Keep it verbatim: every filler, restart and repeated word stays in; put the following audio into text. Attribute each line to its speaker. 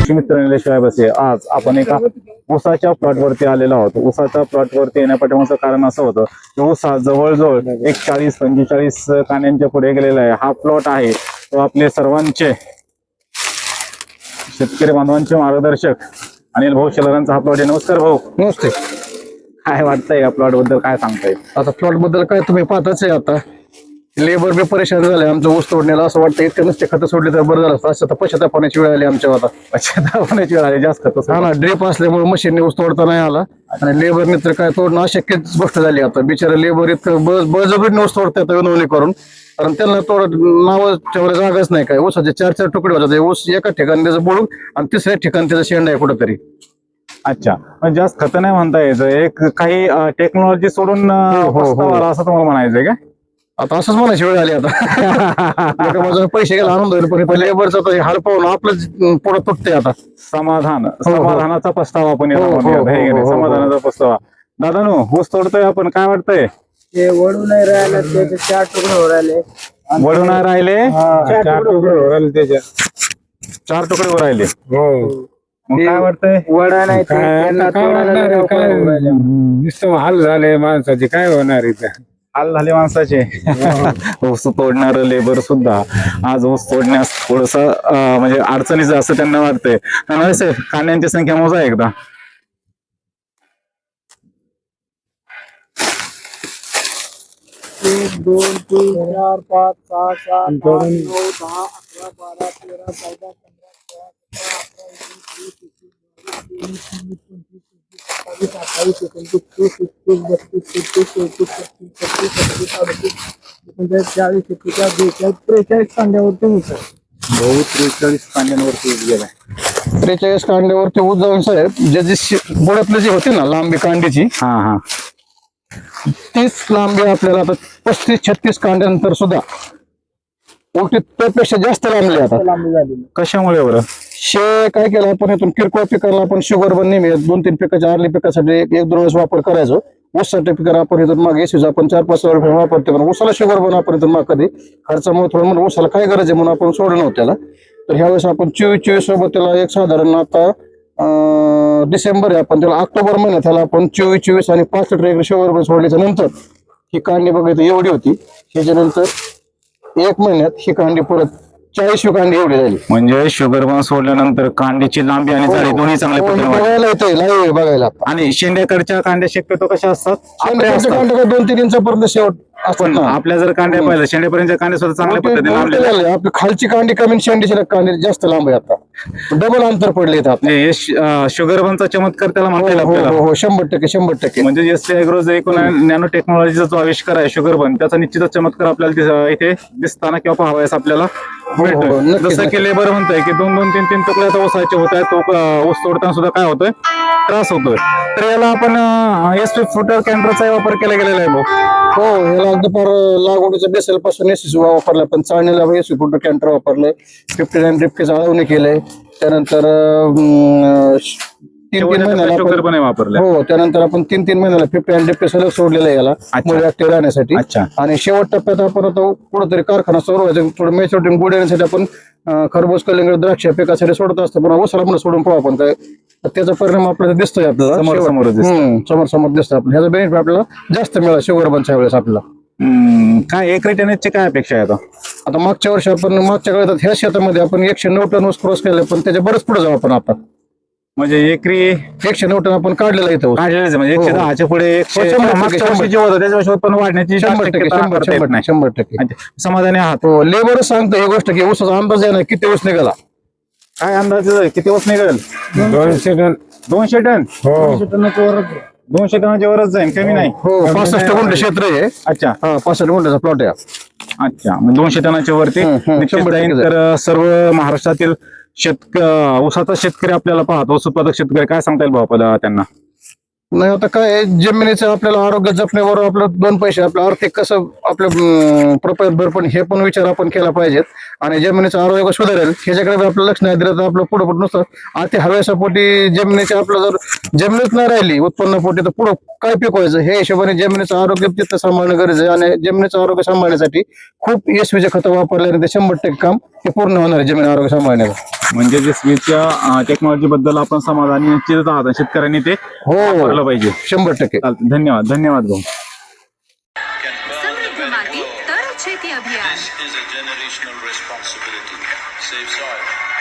Speaker 1: मित्र निलेश बसे आज आपण एका ऊसाच्या प्लॉट वरती आलेलो आहोत। ऊसाच्या प्लॉट वरती येण्यापाठीमागचं कारण असं होतं की ऊस जवळजवळ एक चाळीस पंचेचाळीस कांड्यांच्या पुढे गेलेला आहे। हा प्लॉट आहे तो आपले सर्वांचे शेतकरी बांधवांचे मार्गदर्शक अनिल भाऊ शेलारांचा हा प्लॉट आहे। नमस्कार भाऊ।
Speaker 2: नमस्ते।
Speaker 1: काय वाटतंय या प्लॉट बद्दल, काय सांगताय?
Speaker 2: आता प्लॉट बद्दल काय तुम्ही पाहताच आहे, आता लेबर बी परेशान झाले आमचं ऊस तोडण्याला। असं वाटतं इतकं नुसते खतं सोडले तर बरं झालं असतं, तर पश्चाताप होण्याची वेळ आली आमच्या आता।
Speaker 1: पश्चाताप होण्याची वेळ आली जास्त खतं।
Speaker 2: हा ना, ड्रिप असल्यामुळे मशीनने ऊस तोडता नाही आला आणि लेबरने तर काय तोडणं अशक्यच गोष्ट झाली आता। बिचारा लेबर इतकं बळजबरीने ऊस तोडतात विनवणी करून, कारण त्यांना तोड नाव ठेवायला जागाच नाही काय। ऊसाचे चार चार तुकडे होतात, ऊस एका ठिकाणी त्याचं बोलून आणि तिसऱ्या ठिकाणी त्याचा शेंडा आहे कुठंतरी।
Speaker 1: अच्छा, म्हणजे जास्त खतं नाही म्हणता यायचं, एक काही टेक्नॉलॉजी सोडून प्रस्ताव आला असं तुम्हाला म्हणायचंय का?
Speaker 2: आता असंच म्हणायची वेळ आली आता। एका बाजूने पैसे गेला आनंद होईल, पण लेबरचा हाल पाहून आपलं पुढे तुटते आता।
Speaker 1: समाधान समाधानाचा प्रस्ताव आपण याला म्हणूया, हे की नाही? समाधानाचा प्रस्ताव। दादानो, ऊस तोडतोय आपण, काय वाटतंय?
Speaker 3: ते वळू नाही राहिलं, त्याचे चार तुकडे हो राहिले।
Speaker 1: वळू नाही राहिले,
Speaker 3: चार तुकडे हो राहिले, त्याच्या
Speaker 1: चार तुकडे हो राहिले।
Speaker 3: हो,
Speaker 1: मग काय वाटतंय?
Speaker 3: वडा नाही ते, त्यांना तोडायला लवकर होऊ राहिले।
Speaker 4: नुसतं हाल झाले माणसाचे, काय होणार इथं?
Speaker 1: हाल झाले माणसाचे। ऊस तोडणार लेबर सुद्धा आज ऊस तोडण्यास थोडस म्हणजे अडचणीचं असं त्यांना वाटतंय। साहेब, कांड्यांची संख्या मोजा एकदा।
Speaker 3: एक दोन तीन चार पाच सहा सात आठ नऊ दहा अकरा बारा तेरा चौदा पंधरा सोळा सतरा अठरा एकोणीस वीस एकवीस बावीस तेवीस चोवीस पंचवीस सव्वीस अठ्ठावीस एकोणतीस तीस एकतीस बत्तीस तेहतीस चौतीस पंचवीस सत्तीस अडतीस एकोणचाळीस बेचाळीस त्रेचाळीस कांड्यावरती होतं
Speaker 1: भाऊ त्रेचाळीस कांड्यांवरती ऊस गेलाय।
Speaker 2: त्रेचाळीस कांड्यावरती ऊस जाऊन साहेब, ज्याची बुडातली जी होती ना लांबी कांडीची,
Speaker 1: हा हा
Speaker 2: तीच लांबी आपल्याला आता पस्तीस छत्तीस कांड्यानंतर सुद्धा उलटी त्यापेक्षा जास्त लांबली आता।
Speaker 3: लांबी झाली।
Speaker 1: कशामुळे बरं?
Speaker 2: शे काय केलं आपण, यातून किरकोळ पिकाला आपण शुगर बन नेहमी दोन तीन पिकाच्या आरली पिकासाठी एक एक दोन वेळेस वापर करायचो। ऊस सर्टिफिकेट आपण इथून मागे एसीचा आपण चार पाच रुपये वापरतो, पण ऊसाला शुगर बन आपण इथून माग कधी खर्चामुळे थोडं म्हणून ऊसाला काय गरज आहे म्हणून आपण सोडलं नव्हतं त्याला। तर ह्या वेळेस आपण चोवीस चोवीस सोबत त्याला एक साधारण आता डिसेंबर आहे, आपण त्याला ऑक्टोबर महिन्यात त्याला आपण चोवीस चोवीस आणि पाच लिटर एक शुगर बन सोडल्याच्या नंतर ही कांडी बघायचं एवढी होती। ह्याच्यानंतर एक महिन्यात ही कांडी परत चाळीस कांडी एवढी झाली।
Speaker 1: म्हणजे शुगर बन सोडल्यानंतर कांडीची लांबी आणि जाडी दोन्ही चांगल्या पद्धतीने वाढली।
Speaker 2: बघायला येते लाईव्ह बघायला।
Speaker 1: आणि शेंड्याकडच्या कांड्या शक्यतो कशा असतात?
Speaker 2: कांड्या दोन तीन इंचापर्यंत शेवट असतात
Speaker 1: पण
Speaker 2: ना।
Speaker 1: आपल्या जर कांड्या पाहिलं, शेंड्यापर्यंत कांड्या सुद्धा चांगल्या पद्धतीने लांबलेल्या आहेत।
Speaker 2: आपली खालची कांडी कमी, शेंडीची कांडी जास्त लांब आहे, आता डबल अंतर पडले
Speaker 1: म्हणजे हे श- अं, शुगर बनचा चमत्कार त्याला म्हणता येईल आपल्याला।
Speaker 2: हो हो, शंभर टक्के शंभर टक्के।
Speaker 1: म्हणजे एस टी ॲग्रोज एकूण नॅनो टेक्नॉलॉजीचा जो आविष्कार आहे शुगर बन, त्याचा निश्चितच चमत्कार आपल्याला तिथं इथे दिसताना किंवा पाहावयास आपल्याला मिळतो।
Speaker 2: नक्कीच,
Speaker 1: जसं की लेबर म्हणतोय की दोन दोन तीन तीन तुकड्या आता ऊसाचे होत आहेत, तो अं, ऊस तोडताना सुद्धा काय होतोय, त्रास होतोय। तर याला आपण एस पी फुटर कॅन्टरचा वापर केला गेलेला आहे भाऊ।
Speaker 2: हो, याला अगदी फार लागवडीच्या बेसल पासून एस वापरला, पण चाळणीला एस फुट कॅन्टर वापरलंय, फिफ्टी नाईन ड्रिपचे जाळवणी केलंय। त्यानंतर अं, तीन तीन महिन्याला
Speaker 1: शुगर
Speaker 2: आपण-
Speaker 1: पण वापरलं।
Speaker 2: हो, त्यानंतर आपण तीन तीन महिन्याला फिफ्टी नाईन ड्रिप सलग सोडलेलं आहे याला मुळे ऍक्टिव्ह राहण्यासाठी।
Speaker 1: अच्छा।
Speaker 2: आणि शेवट टप्प्यात आपण आता कुठेतरी कारखाना सुरू व्हायचं, थोडं मॅच्युरिटी गुड येण्यासाठी आपण अं, खरबूज कलिंगड द्राक्ष पिकासाठी सोडत असतो, पण ऊसाला पण सोडून पाहू आपण काय, तर त्याचा परिणाम आपल्याला दिसतोय आपल्याला
Speaker 1: समोर
Speaker 2: शेवट-
Speaker 1: समोर दिसतोय.
Speaker 2: हम्म, समोर समोर दिसतो आपण। ह्याचा बेनिफिट आपल्याला जास्त मिळाला शुगर बनच्या वेळेस आपल्याला।
Speaker 1: हम्म, काय एक रेटेनेजची काय अपेक्षा आहे आता?
Speaker 2: आता मागच्या वर्षी आपण मागच्या काळात ह्या शेतामध्ये आपण एकशे नऊ टन ऊस क्रॉस केले, पण त्याच्या बरंच पुढे जाऊ आपण आता।
Speaker 1: म्हणजे एकरी
Speaker 2: एकशे नऊ टन आपण काढलेला इथं ऊस।
Speaker 1: काढलेलं म्हणजे एकशे दहाच्या पुढे एकशे
Speaker 2: हो, शंभर टक्के,
Speaker 1: मागच्या वर्षी जे होतं त्याच्या वर्षी उत्पन्न वाढण्याची
Speaker 2: शंभर टक्के
Speaker 1: शक्यता
Speaker 2: शंभर
Speaker 1: करता येत
Speaker 2: शंभर
Speaker 1: नाही।
Speaker 2: शंभर टक्के
Speaker 1: अच्छा, समाधानी आहात?
Speaker 2: हो, लेबरच सांगतो ही गोष्ट की ऊसाचा अंदाज आहे ना किती ऊस निघाला।
Speaker 1: काय अंदाज आहे? किती ऊस निघेल?
Speaker 4: दोनशे टन
Speaker 1: दोनशे टन
Speaker 4: हो।
Speaker 1: दोनशे टनाच्या वरच जाईल, कमी नाही।
Speaker 2: हो, पासष्ट गुंठे क्षेत्र आहे।
Speaker 1: अच्छा
Speaker 2: हा, पासष्ट गुंठ्याचा प्लॉट आहे।
Speaker 1: अच्छा, मग दोनशे टनाच्या वरती
Speaker 2: हम्म, हम्म,
Speaker 1: निश्चित
Speaker 2: शंभर
Speaker 1: जाईल।
Speaker 2: टक्के
Speaker 1: तर सर्व महाराष्ट्रातील शेतक ऊसाचा शेतकरी आपल्याला पाहतो, ऊस उत्पादक शेतकरी, काय सांगता येईल भाऊ आपल्याला त्यांना?
Speaker 2: नाही, आता काय आहे, जमिनीचं आपल्याला आरोग्य जपण्याबरोबर आपलं दोन पैसे आपलं आर्थिक कसं आपलं प्रपंच भरपण हे पण विचार आपण केला पाहिजेत। आणि जमिनीचं आरोग्य सुधारेल ह्याच्याकडे आपलं लक्ष नाही दिलं तर आपलं पुढे पुढे नुसतं अति हव्यासापोटी जमिनीचे आपलं जर जमिनीत नाही राहिली उत्पन्नापोटी तर पुढं काय पिकवायचं हे हिशोबाने जमिनीचं आरोग्य तिथं सांभाळणं गरजेचं आहे आणि जमिनीचं आरोग्य सांभाळण्यासाठी खूप एसवीचे खतं वापरल्याने ते शंभर टक्के काम हे पूर्ण होणार आहे जमीन आरोग्य सांभाळण्याचं.
Speaker 1: म्हणजे जे स्वीटच्या टेक्नॉलॉजी बद्दल आपण समाधानी निश्चित आहात शेतकऱ्यांनी ते
Speaker 2: हो
Speaker 1: वापरलं पाहिजे.
Speaker 2: शंभर टक्के.
Speaker 1: चालतं, धन्यवाद धन्यवाद भाऊ.
Speaker 5: समृद्ध माती तर शेती अभियान.
Speaker 6: This is a generational responsibility. Save soil.